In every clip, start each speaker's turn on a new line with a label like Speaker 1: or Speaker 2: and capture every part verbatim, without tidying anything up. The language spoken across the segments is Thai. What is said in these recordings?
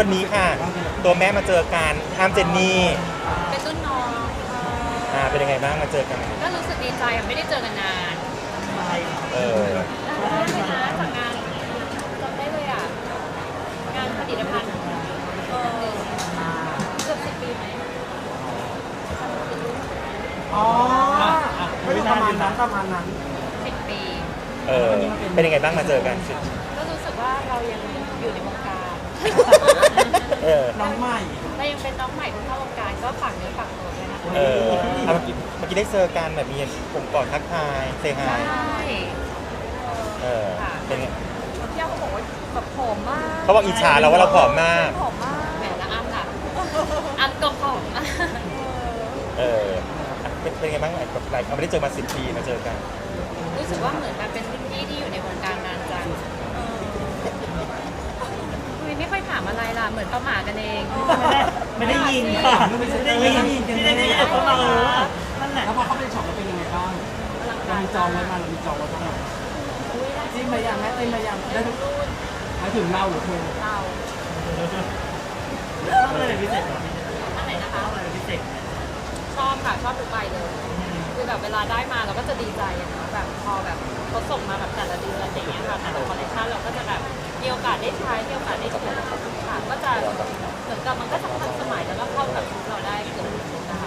Speaker 1: วันนี้ค่ะตัวแม่มาเจอกันอ้ามเจนนี่
Speaker 2: เป็นรุ่นน้อง
Speaker 1: อ่าเป็นยังไงบ้างมาเจอกัน
Speaker 2: ก็รู้สึกดีใจอ่ะไม่ได้เจอกันนาน
Speaker 1: เออ
Speaker 2: ได้เลยนะจากงานจำได้เลยอ่ะงานผลิตภัณฑ์เออเกือบสิบปีไหม
Speaker 3: อ๋อก็ประมาณนั้นประมาณนั้น
Speaker 2: สิบปี
Speaker 1: เออเป็นยังไงบ้างมาเจอกัน
Speaker 2: ก็รู้สึกว่าเรายังอยู่ในวงการ
Speaker 1: เออ
Speaker 3: น้องใหม่
Speaker 2: เรายังเป็นน้องใหม่ที่เข้าวงการก็ฝากเนื้อฝากตัวด้วยนะคะ
Speaker 1: เออเมื่อกี้เมื่อกี้ได้เจอกันแบบมีผมกอดทักทายเซฮาย
Speaker 2: ใช่
Speaker 1: เออเป็นไง
Speaker 2: พี่เขาบอกว่าแบบผอมมาก
Speaker 1: เขาบอกอิจฉาเราว่าเราผอมมาก
Speaker 2: ผอมมากแหมละอ้ำล่ะอ้ำก็ผอม
Speaker 1: เออเป็นไงบ้างแบบไรเขาไม่ได้เจอมาสิบปีมาเจอกัน
Speaker 2: รู้สึกว่าเหมือนแบบเป็นรุ่นพี่ที่อยู่ในวงการนานจังไม่ค่อยถามอะไรล่ะเหมือนประมาทกันเอง
Speaker 3: ไม่ได้ยินค่ะไม่ได้ยินไม่ได้ยินเขามานั่นแหละแล้วพอเขาไปช็อปแล้วเป็นยังไงบ้างเรามีจองไว้มาเรามีจองไว้บ้างจิ้มมาอย่างแม่จิ้มมาอย่างได้ทุกรุ่นมาถึงเราหรือเธอ
Speaker 2: เรา
Speaker 3: ชอบอะไรพิเศษ
Speaker 2: อันไหนนะคะ
Speaker 3: อะไรพิเศษ
Speaker 2: ชอบค่ะชอบทุกใบเลยคือแบบเวลาได้มาเราก็จะดีใจอะนะแบบพอแบบเขาส่งมาแบบแต่ละเดือนอย่างเงี้ยค่ะแต่ละคอลเลคชันเราก็จะแบบมีโอกาสได้ใช้มีโอกาสได้ใช้ค่ะก็จะเหมือนกับมันก็จะทันสมัยแล้วก็เข้ากับชุดเราได้เกือบทุกชุดนะคะ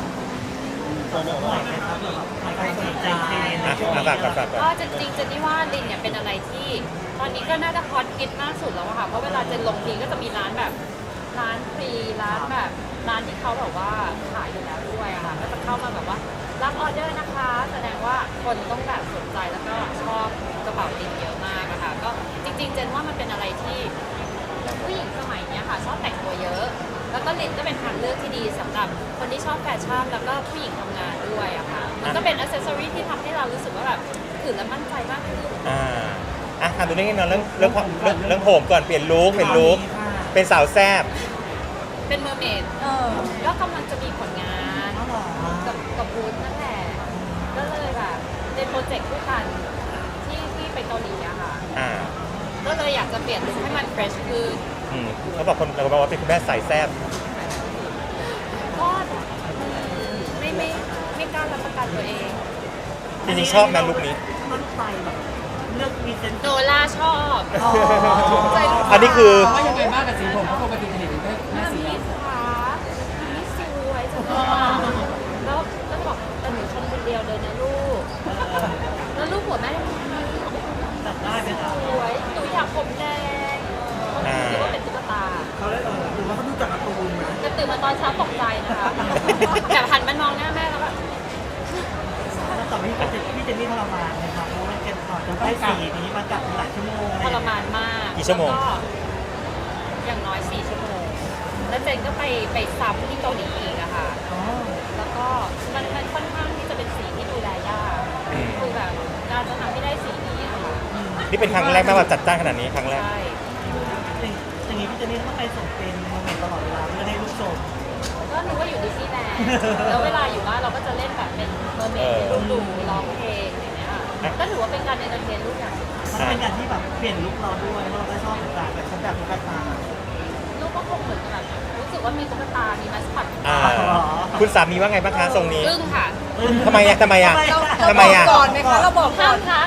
Speaker 2: ก็จริงๆเจนนี่ว่าลินเนี่ยเป็นอะไรที่ตอนนี้ก็น่าจะฮอตฮิตมากสุดแล้วอะค่ะเพราะเวลาเจนลงทีก็จะมีร้านแบบร้านฟรีร้านแบบร้านที่เขาแบบว่าขายอยู่แล้วด้วยอะค่ะก็จะเข้ามาแบบว่ารับออเดอร์นะคะแสดงว่าคนต้องแบบสนใจแล้วก็ชอบกระเป๋าลินเยอะมากอะค่ะก็จริงๆเจนว่ามันเป็นอะไรที่ผู้หญิงสมัยนี้ค่ะชอบแต่งตัวเยอะแล้วก็ลินก็เป็นทางเลือกที่ดีสำหรับคนที่ชอบแฟชั่นแล้วก็ผู้หญิงทำงานด้วยอะค่ะมันก็เป็นอัซเซสซอรี่ที่ทำให้เรารู้สึกว่าแบบถือแล้วมั่นใจมากขึ้น
Speaker 1: อ่าอ่ะถามดูเรื่องนี้เนาะเรื่องเรื่องเรื่องเรื่องผมก่อนเปลี่ยนลุคเปลี่ยนลุคเป็นสาวแซ่บ
Speaker 2: เป็นเมอร์เมดเออก็กำลังจะมีผลงานกับกับบูธนั่นแหละก็เลยแบบเป็นโปรเจกต์คู่กันที่ที่ไปเกาหลีอะค่ะ
Speaker 1: อ่า
Speaker 2: ก็เลยอยากจะเปลี่ยนลุคให้มันเฟรชคือ
Speaker 1: อืมเขาบอกคนเราบอกว่าเป็นคุณแม่สายแซ่บ
Speaker 2: ก็ไม่ไม่ไม่กล้ารับประกันตัวเอง
Speaker 1: จริงๆชอบนะลุคนี้
Speaker 3: มันไปแบบเลือกมีเซนต์
Speaker 2: โนล่าชอบ
Speaker 1: ใจอันนี้คือ
Speaker 3: ว่ายังไงบ้างกับสีผมเพราะปกติเห็นได้หน้าสี
Speaker 2: ขานี่สวยจังแล้วแล้วบอกแต่หนูชมคนเดียวเลยนะลูกแล้วลูกหัวแม่
Speaker 3: ตัดได้ไหมคะ
Speaker 2: สวยหนูอยากผมแดงคิดว่าเป็นตุ๊กตา
Speaker 3: เขาได้เออหรือว่าเขาดูจากการ์ตูนไหม
Speaker 2: จะตื่นมาตอนเช้าตกใจนะคะแต่หันมามองหน้าแม่แล้วแบบ
Speaker 3: ต่อไปพี่พี่เจนนี่ทรมานนะครับเพราะว่าเก็บต่อจนได้สีนี้มาจับหลายชั่วโมง
Speaker 2: ทรมานมาก
Speaker 1: กี่ชั่วโมง
Speaker 2: อย่างน้อยสี่ชั่วโมงแล้วเจนก็ไปไปซ้ำที่เกาหลีอีกอะค่ะแล้วก็มันมันค่อนข้างที่จะเป็นสีที่ดูแลยากคือแบบการจะทำให้ได้สีนี้อะค่ะ
Speaker 1: นี่เป็นครั้งแรกที่แบบจัดจ้านขนาดนี้ครั้งแรก
Speaker 2: ใช่
Speaker 3: อย่างนี้พี่เจนนี่ต้องไปส่งเป็นโมเมนต์ตลอดเวลาเพื่อให้ลูกชม
Speaker 2: ก็รู้ว่าอยู่ดิสนีย์แลนด์แล้วเวลาอยู่บ้านเราก็จะเล่นแบบเป็นเมอร์เมดลูกดูร้องเพลงอย่างเงี้ยก็ถือว่าเป็นการเอนเตอร์เทนลูกอย่าง
Speaker 3: มันเป็นการที่แบบเปลี่ยนลุคเราด้วยเราก็ชอบเหมือนกันแต่ฉันแบบตุ๊กตา
Speaker 2: ลูกก็คงเหมือนแบบรู้สึกว่ามีตุ๊กตามีมัสคอต
Speaker 1: คุณสามีว่าไงบ้างคะทรงนี้
Speaker 2: อึ้งค่ะ
Speaker 1: ทำไมอ่ะทำไมอ่ะทำไมอ่ะ
Speaker 2: ก่อนไหมคะเราบอกห้ามทัก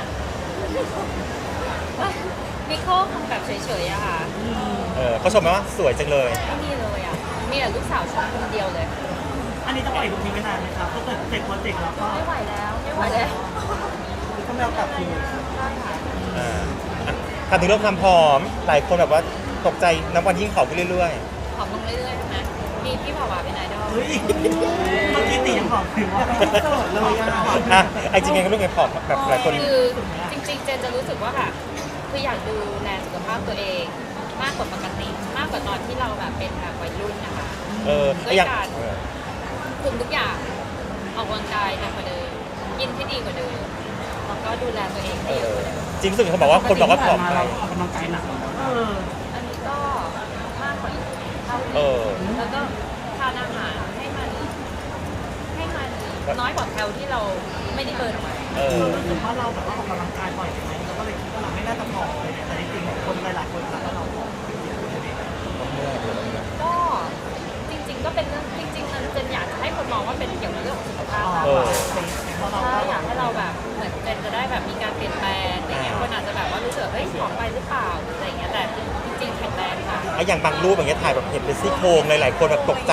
Speaker 2: นิโคลคงแบบเฉยๆอะค่ะ
Speaker 1: เออเขาชมไหมว่าสวยจังเลย
Speaker 2: ไม่มีเลยอ่ะมีแต่ลูกสาวชมคนเดียวเลย
Speaker 3: อันนี้ต้องปล่อยลุคนี้ไม่นานไหมครับถ้าเกิดเสร็จโปรเจกต์แล้วก็
Speaker 2: ไม่ไหวแล้วไม่ไหวแล้ว
Speaker 3: ต้องเอากลับคืน
Speaker 2: ใช่ค่ะ
Speaker 1: อ่าถามถึงเรื่องความผอมหลายคนแบบว่าตกใจนับวันยิ่งผอมขึ้นเรื่อย
Speaker 2: ๆผอมลงเรื่อยๆใช่ไหมมีพี่ผอมเป็นไอดอล
Speaker 3: เฮ้ยเมื่อกี้ตียังผอมถึงว่าโสดเลย
Speaker 1: อ่ะไอ้จริงๆก็รู้ไงผอมแบบหลายคน
Speaker 2: คือจริงๆเจนจะรู้สึกว่าแบบคืออยากดูแลสุขภาพตัวเองมากกว่าปกติมากกว่าตอนที่เราแบบเป็นแบบวัยรุ่นนะคะ
Speaker 1: เออ
Speaker 2: ด้วยการคุมทุกอย่างออกกำลังกายหนักกว่าเดิมกินให้ดีกว่าเดิมแล้วก็ดูแลตัวเองให้เยอะกว่าเดิม
Speaker 1: จริงๆเขาบอกว่าคนบอกว่าผอมไป
Speaker 3: ออกกำลังกายหนัก
Speaker 2: อันนี้ก็มากกว่าเท่านี้แล้วก็ทานอาหารให้มันให้มันน้อยกว่าแคลที่เราไม่ได้เบิร์นออกมา
Speaker 3: เออรู้สึกว่าเราแบบว่าออกกำลังกายบ่อยไหมเราก็เลยคิดว่าเราไม่น่าจะผอมเลยแต่จริงๆคนหลายๆคนถามว่าเราผอม
Speaker 2: ได้แบบมีการเปลี่ยนแปลงอะไรเงี้ยคนอาจจะแบบว่ารู้สึกเฮ้ยผอมไปหรือเปล่าหรืออะไรเงี้ยแต่จริงๆแข็งแรงค่ะ
Speaker 1: ไอ้อย่างบางรูปอย่างเงี้ยถ่ายแบบเห็นเป็นซี่โครงหลายๆคนแบบตกใจ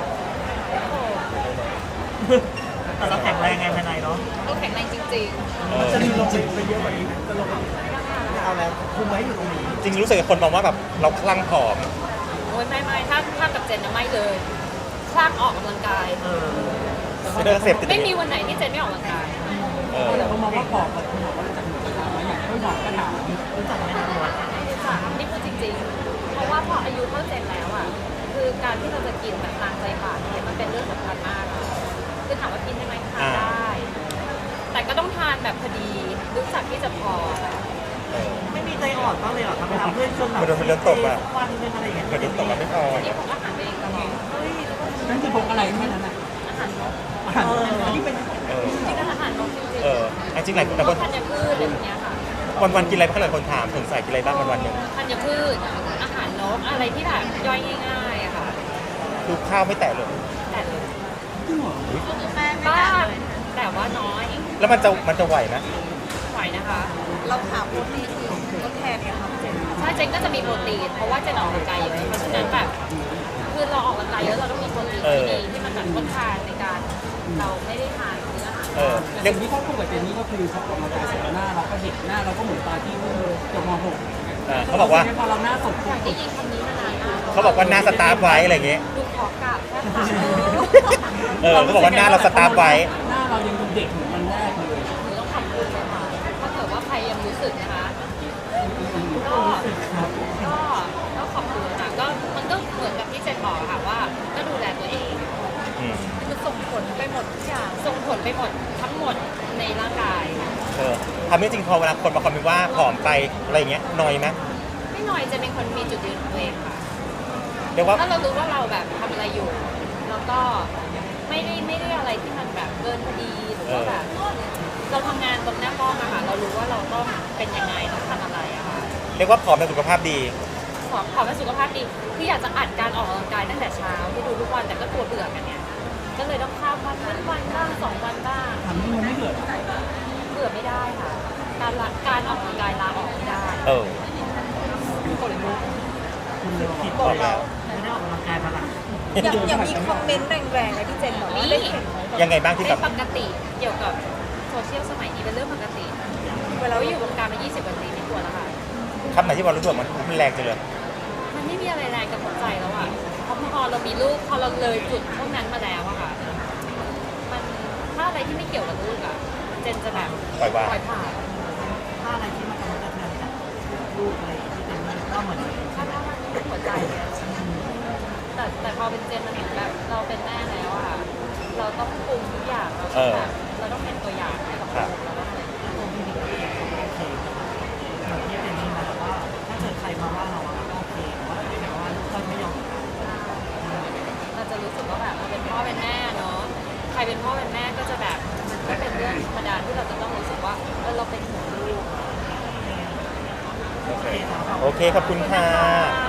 Speaker 3: แต่เราแข็งแรงไงภายในเนาะ
Speaker 2: ก็แข็งแรงจริง
Speaker 1: เออ
Speaker 3: จะมีลงไปเยอะกว่านี้จะลงเอาแล้วคุมไว้อยู่ตรงนี้
Speaker 1: จริงๆรู้สึกคนมองว่าแบบเราคลั่งผอม
Speaker 2: ๆโอ้ยไม่ไม่ถ้าถ้ากับเจนนะไม่เลยคลั่งออกกำลังกาย
Speaker 3: เออ
Speaker 1: ไม่ได้เสพติด
Speaker 2: ไม่มีวันไหนที่เจนไม่ออกกำลังกาย
Speaker 1: เออ
Speaker 3: เขามองว่าผอมแบบคุณหมอว่าจะหนูกระถางว่าอย่างไม่หมอกระถางรู้จักไหมตัว
Speaker 2: ค่ะนี่พูดจริงๆ เพราะว่าพออายุเท่าเจนแล้วอ่ะคือการที่เราจะกินแบบตามใจปากเนี่ยมันเป็นเรื่องสำคัญมากอะคือถามว่ากินได้ไหมทานได้ แต่ก็ต้องทานแบบพอดีรู้จักที่จะพอค่ะ
Speaker 1: เออ
Speaker 3: ไม่มีใจอ่อนบ้างเลยเหรอครับเวลาเพื่อนชวนแบบ
Speaker 1: มันโดนมันโดนตบอะ
Speaker 3: วันนึงอะไรอย่างเงี้ย
Speaker 1: กระดิ่งตกมาไม่พอ
Speaker 2: นี่ผมก็หันไปเองตลอด
Speaker 3: นั่นคือพกอะไรแค่นั้นน่ะ
Speaker 2: อาหารนก
Speaker 3: อาหารที่เป็น
Speaker 1: เออ
Speaker 2: จริงๆอาหารนกจริง
Speaker 1: เออจริงๆหลายคน
Speaker 2: ๆ
Speaker 1: หลาย
Speaker 2: พ
Speaker 1: ค
Speaker 2: วน กธัญพืชอะไรแบบเนี้ยค่ะ
Speaker 1: วันวันๆกินอะไรบ้างหลายคนถามถึงใส่กินอะไรบ้างวันวันๆหนึ่ง
Speaker 2: ธัญพืชอาหารนกอะไรที่แบบย่อยง่ายๆอะค่ะ
Speaker 1: คือข้าวไม่แตะเลย
Speaker 2: แต่เลย
Speaker 3: จริงเหรอ
Speaker 2: บ้างแต่ว่าน้อย
Speaker 1: แล้วมันจะมันจะไหวไหม
Speaker 2: ไหวนะคะ
Speaker 4: เราหาโปรตีนอื่นทดแทนเนี่ยครับเจน
Speaker 2: ใช่เจนก็จะมีโปรตีนเพราะว่าเจนออกกำลังกายเยอะเพราะฉะนั้นแบบคือเราออกกำลังกายเยอะเราต้องมีโปรตีนที่ดีที่มันแบบทดแทนในการเราไม่ได้ทานเนื้ออาหาร
Speaker 1: เออ
Speaker 3: แต่
Speaker 1: เรียก
Speaker 3: สิ่งที่เขาพูดกับเจนนี่ก็คือเขาออกมาจากเสียหน้าเราก็เห็นหน้าเราก็เหมือนตอนที่จบม .หก
Speaker 1: เออเขาบอกว่า
Speaker 3: พอเราหน้าสด
Speaker 2: อยากได้ยินคำนี้มานานมาก
Speaker 1: เขาบอกว่าหน้าสตาร์ฟไว้อะไรอย่างเงี้ย
Speaker 2: ดูขอกราบแค่ค่ะ
Speaker 1: เออเขาบอกว่าหน้าเราสตาร์ฟไว้
Speaker 3: หน้าเรายังดูเด็กเหมือนมันแรกเลย
Speaker 2: หนูต้องขอบคุณเลยค่ะถ้าเกิดว่าใครยังรู้สึกนะคะก็ก็ก็ขอบคุณค่ะก็มันก็เหมือนกับที่เจนบอกค่ะว่าก็ดูแลตัวเอง
Speaker 1: อืม
Speaker 2: คือส่งผลไปหมดทุกอย่างส่งผลไปหมดทั้งหมดในร่างกาย
Speaker 1: เออทำให้จริงพอเวลาคนมาคอมเมนต์ว่าผอมไปอะไรอย่างเงี้ยนอยไหม
Speaker 2: ไม่น้อยจะเป็นคนมีจุดยืนของตัวเองค่ะ
Speaker 1: เรียกว่า
Speaker 2: ถ้าเรารู้ว่าเราแบบทำอะไรอยู่ แล้วก็ไม่ได้ไม่ได้อะไรที่มันแบบเกินพอดีหรือว่าแบบเราทำงานตรงหน้ากล้องอะค่ะเรารู้ว่าเราต้องเป็นยังไงต้องทำอะไรอะค่ะ
Speaker 1: เรียกว่าผอมแต่สุขภาพดี
Speaker 2: ขอขอเป็นสุขภาพดีคืออยากจะอัดการออกกำลังกายตั้งแต่เช้าที่ดูทุกวันแต่ก็ตัวเบื่อกันเนี่ยก็เลยต้องข้ามวันวันวันบ้างสองวันบ้าง
Speaker 3: ทำให้มันไม่เกิด
Speaker 2: เบื่อไม่ได้ค่ะ การละการออกกำลังกายลาออกไม่ได้
Speaker 1: เออ
Speaker 2: คนลุก
Speaker 3: คุณเลย
Speaker 1: ผิดบอกแล้ว
Speaker 3: ไม่ได้ออกกำลังกายมาหลัง
Speaker 4: อย่างอย่างมีคอมเมนต์แรงๆนะที่เจนบอกว่าได้เห็นไหม
Speaker 1: ยังไงบ้างที่
Speaker 2: เป็
Speaker 1: แบบ
Speaker 2: นปกติเกี่ยวกับโซเชียลสมัยนี้เป็นเรื่องปกติเวลาอยู่วงการมา ยี่สิบ กว่าปีไม่กลัวแล้วค่ะ
Speaker 1: คำไหนที่เรารู้สึกว่ามันมันแรงจังเลย
Speaker 2: มันไม่มีอะไรแรงกับหัวใจแล้วอ่ะเพราะพอเรามีลูกพอเราเลยจุดพวกนั้นมาแล้วอะค่ะมันถ้าอะไรที่ไม่เกี่ยวกับลูกอะเจนจะแบบ
Speaker 1: ปล่อยวาง
Speaker 2: ปล่อยผ่าน
Speaker 3: ถ้าอะไรที่มันกำลังจะเทือนจากลูกอะไรที่เป็นก็เหมือน
Speaker 2: ถ้าถ้ามันเป็นหัวใจเนี่ยแต่แต่พอเป็นเจนมันเหมือนแบบเราเป็นแม่แล้วอะเราต้องปรุงทุกอย่างเราต้องแบบเราต้องเป็นตัวอย่างให้กับลูกเราต้องเป็น
Speaker 3: โอเคแบบที่เป็นนี่นะแต่ว่าถ้าเกิดใครมาว่าเราก็โอเคแต่ว่าแต่ว่าลูกเราไม่ยอม
Speaker 2: เราจะรู้สึกว่าแบบเราเป็นพ่อเป็นแม่เนาะใครเป็นพ่อเป็นแม่ก็จะแบบมันก็เป็นเรื่องธรรมดาที่เราจะต้องรู้สึกว่าเออเราเป็นห่วงลูก
Speaker 1: โอเค โอเค ขอบคุณค่ะ
Speaker 2: ขอบคุณนะคะ